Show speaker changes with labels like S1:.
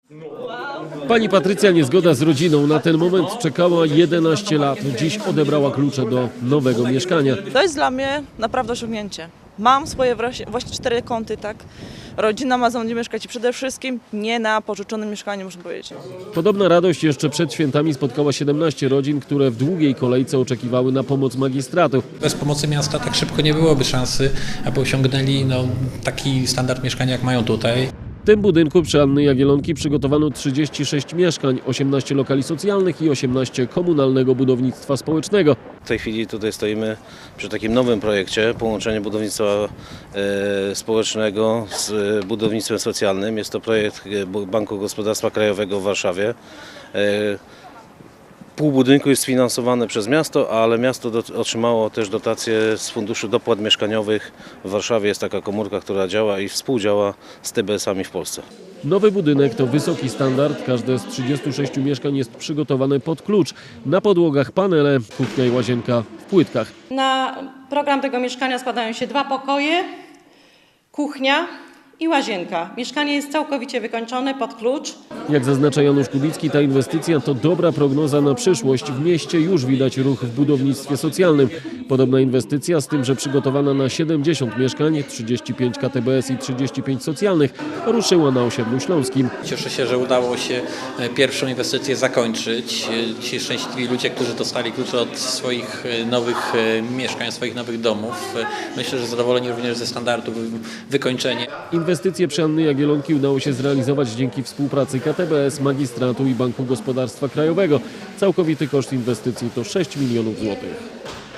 S1: Pani Patrycja niezgoda z rodziną. Na ten moment czekała 11 lat. Dziś odebrała klucze do nowego mieszkania.
S2: To jest dla mnie naprawdę osiągnięcie. Mam swoje właśnie 4 kąty, tak? Rodzina ma za mną mieszkać i przede wszystkim nie na pożyczonym mieszkaniu, muszę powiedzieć.
S1: Podobna radość jeszcze przed świętami spotkała 17 rodzin, które w długiej kolejce oczekiwały na pomoc magistratu.
S3: Bez pomocy miasta tak szybko nie byłoby szansy, aby osiągnęli taki standard mieszkania, jak mają tutaj.
S1: W tym budynku przy Anny Jagiellonki przygotowano 36 mieszkań, 18 lokali socjalnych i 18 komunalnego budownictwa społecznego.
S4: W tej chwili tutaj stoimy przy takim nowym projekcie, połączenie budownictwa społecznego z budownictwem socjalnym. Jest to projekt Banku Gospodarstwa Krajowego w Warszawie. Pół budynku jest sfinansowane przez miasto, ale miasto otrzymało też dotacje z Funduszu Dopłat Mieszkaniowych. W Warszawie jest taka komórka, która działa i współdziała z TBS-ami w Polsce.
S1: Nowy budynek to wysoki standard. Każde z 36 mieszkań jest przygotowane pod klucz. Na podłogach panele, kuchnia i łazienka w płytkach.
S5: Na program tego mieszkania składają się 2 pokoje, kuchnia i łazienka. Mieszkanie jest całkowicie wykończone pod klucz.
S1: Jak zaznacza Janusz Kubicki, ta inwestycja to dobra prognoza na przyszłość. W mieście już widać ruch w budownictwie socjalnym. Podobna inwestycja, z tym, że przygotowana na 70 mieszkań, 35 KTBS i 35 socjalnych, ruszyła na osiedlu śląskim.
S3: Cieszę się, że udało się pierwszą inwestycję zakończyć. Ci szczęśliwi ludzie, którzy dostali klucze od swoich nowych mieszkań, swoich nowych domów. Myślę, że zadowoleni również ze standardu wykończenia.
S1: Inwestycje przy Anny Jagiellonki udało się zrealizować dzięki współpracy KTBS, Magistratu i Banku Gospodarstwa Krajowego. Całkowity koszt inwestycji to 6 milionów złotych.